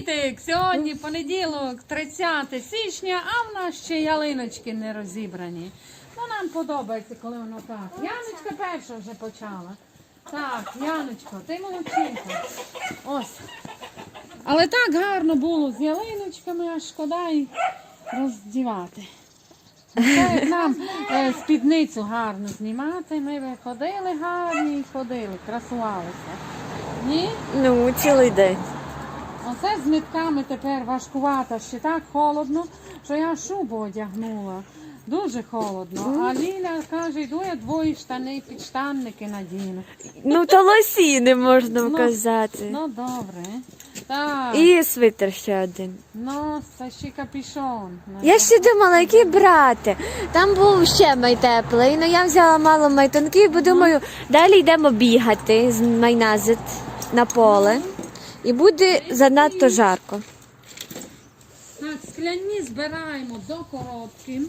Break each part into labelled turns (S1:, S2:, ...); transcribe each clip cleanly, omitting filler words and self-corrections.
S1: привітик! Сьогодні понеділок, 30 січня, а в нас ще ялиночки не розібрані. Ну, нам подобається, коли воно так. Яночка перша вже почала. Так, Яночко, ти молодчинка. Ось. Але так гарно було з ялиночками, аж шкода і роздівати. Це як нам спідницю гарно знімати, ми виходили гарні і ходили, красувалися. Ні?
S2: Ну, цілий день.
S1: Оце з нитками тепер важкувато, ще так холодно, що я шубу одягнула. Дуже холодно. А Ліля каже, йду я двоє штани, підштанники надіну.
S2: Ну, то лосіни можна вказати.
S1: Ну, добре. Так.
S2: І свитер ще один.
S1: Ну, це ще капюшон.
S2: Я ще думала, який брати. Там був ще майтеплий, але я взяла мало майтонків, бо думаю, далі йдемо бігати з майназит на поле. І буде занадто жарко.
S1: Так, скляні збираємо до коробки.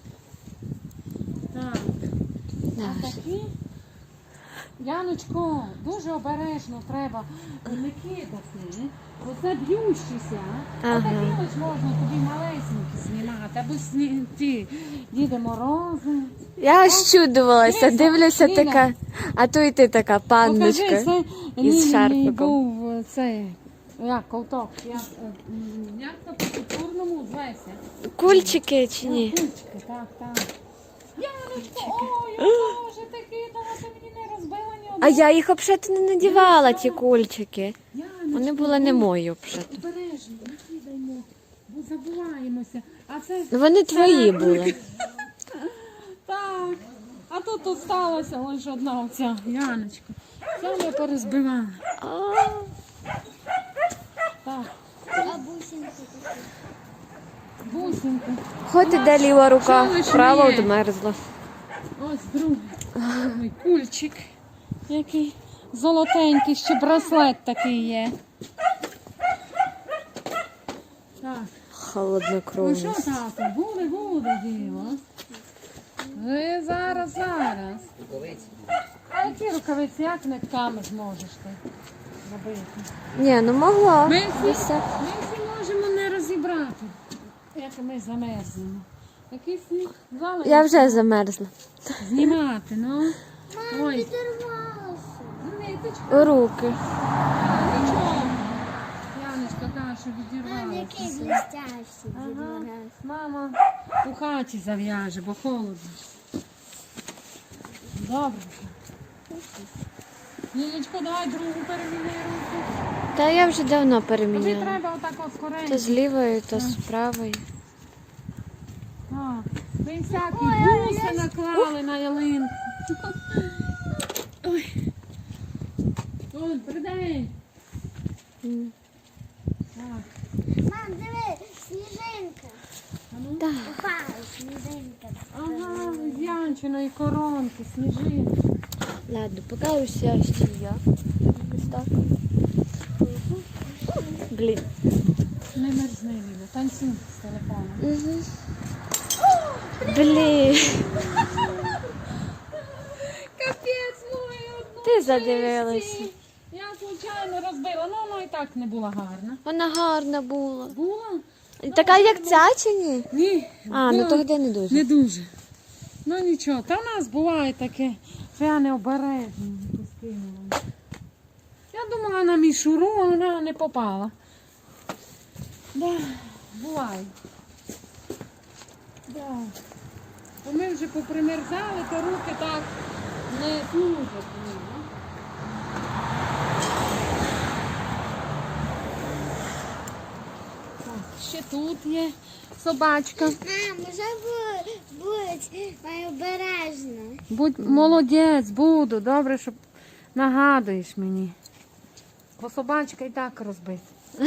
S1: Так. А такі, Яночко, дуже обережно треба не кидати. Оце б'ющіся.
S2: Ага.
S1: Отакі ось можна тобі малесенькі знімати. Або ті Діди Морози.
S2: Я аж чудувалася, дивлюся
S1: Ліля.
S2: така, а то й ти така панночка
S1: Покажи, це
S2: із
S1: Лілій
S2: шарфиком.
S1: був цей, як ковток, як то по-культурному звеся.
S2: Кульчики чи ні?
S1: Кульчики, так. Яночко, ой, Боже, ти кидала, ти мені не розбила ні
S2: А
S1: одного.
S2: я їх взагалі не надівала, ті кульчики.
S1: Яночко,
S2: Вони були не мої взагалі.
S1: обережно, не кидаймо, бо забуваємося. А це...
S2: Вони твої були.
S1: Так, а тут осталася лише одна оця, Яночко. Це ми порозбивали. Так.
S3: А бусинки такі.
S1: Бусинки.
S2: Хоч іде ліва рука,
S1: Що лише
S2: права
S1: є?
S2: одмерзла.
S1: Ось другий кульчик, який золотенький, ще браслет такий є. Так, ну що,
S2: Холоднокровність.
S1: тато, буде діло. Зараз. А які рукавиці, як нитками зможеш ти робити?
S2: Ні, ну могла.
S1: Ми всі можемо не розібрати, як ми замерзнемо. Такий сніг залишиться.
S2: Я вже замерзла.
S1: Знімати, ну. Ой,
S3: Підірвалося.
S1: ниточка.
S2: У руки.
S1: Нічого. Яночка каже, що
S3: Мам, який
S1: відірвалася.
S3: блестящий
S1: Ага.
S3: відмораз.
S1: Мама у хаті зав'яже, бо холодно. Добре. Лілечко, давай другу переміни руку.
S2: Та я вже давно
S1: Тобі
S2: переміняла.
S1: треба отак от
S2: То
S1: скоренько.
S2: з лівої, то з правої.
S1: Ви всякі буси наклали на ялинку. Ой. Ой, придень. Так.
S3: Мам, диви, сніжинка.
S1: А ну.
S2: Так.
S3: Упала сніжинка.
S1: Ага, з Янчиної коронки, сніжинки.
S2: Ладно, поки уся ще я. Ось так. Блін.
S1: Не мерзни, Ліля, танцюй з телефоном.
S2: Угу. Блін.
S1: Капець, мої одну.
S2: Ти задивилася.
S1: Я случайно розбила, ну воно і так не була гарна.
S2: Вона гарна була.
S1: Була?
S2: Така як ця чи ні?
S1: Ні.
S2: А, ну
S1: була.
S2: тоді не дуже.
S1: Не дуже. Ну нічого, та в нас буває таке, що я необережно скинула. Я думала на мішуру, а вона не попала. Да, буває. Да. Бо ми вже попримерзали, то руки так не служать. мені, ну. Так, ще тут є собачка.
S3: Мам, вже будь обережно.
S1: Будь молодець, буду. Добре, що нагадуєш мені. Бо собачка і так розбита.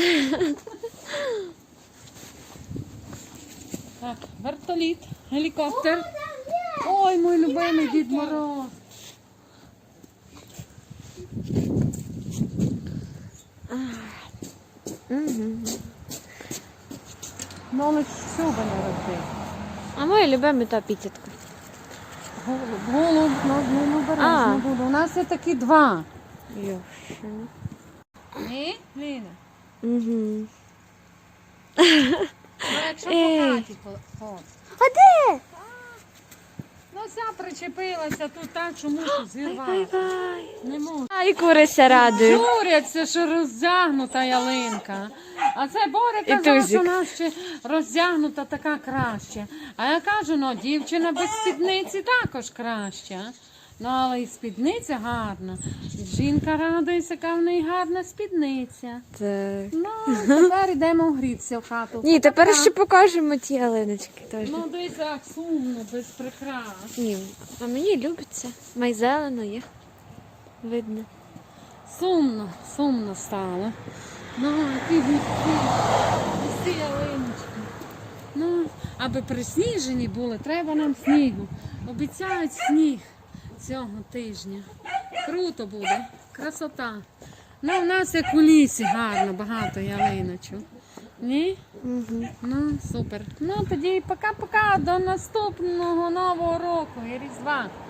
S1: Так, вертоліт, гелікоптер. Ой, мій любимий Дід Мороз.
S2: Угу.
S1: Ну, лиш шуба не розбив.
S2: А моя любима та пітятка.
S1: Голуб, ну, бережно буду. У нас є такі два.
S2: Йошина.
S1: Ні, Ліна?
S2: Угу.
S1: Ну, якщо
S2: Ей.
S1: по хаті ходить.
S2: А де?
S1: Ну, вся причепилася тут так, що мушу зірвати.
S2: Ай-ай.
S1: Не можу.
S2: Ай, курися радують.
S1: Журяться, що роздягнута ялинка. А це Боря
S2: І
S1: казав,
S2: Тузик.
S1: що вона ще роздягнута така краще. А я кажу, ну, дівчина без спідниці також краща. Ну, але і спідниця гарна. Жінка радується, яка в неї гарна спідниця.
S2: Так.
S1: Ну, тепер йдемо грітися в хату.
S2: Ні, тепер
S1: Пока.
S2: ще покажемо ті ялиночки теж.
S1: Ну, десь як сумно, без прикрас.
S2: Ні, а мені любиться. Май зелено є. Видно.
S1: Сумно стало. Ну, ті густі ялиночки. Ну, аби присніжені були, треба нам снігу. Обіцяють сніг цього тижня. Круто буде, красота. Ну, у нас як у лісі гарно, багато ялиночок. Ні?
S2: Угу.
S1: Ну, супер. Ну, тоді пока-пока, до наступного Нового року і Різдва.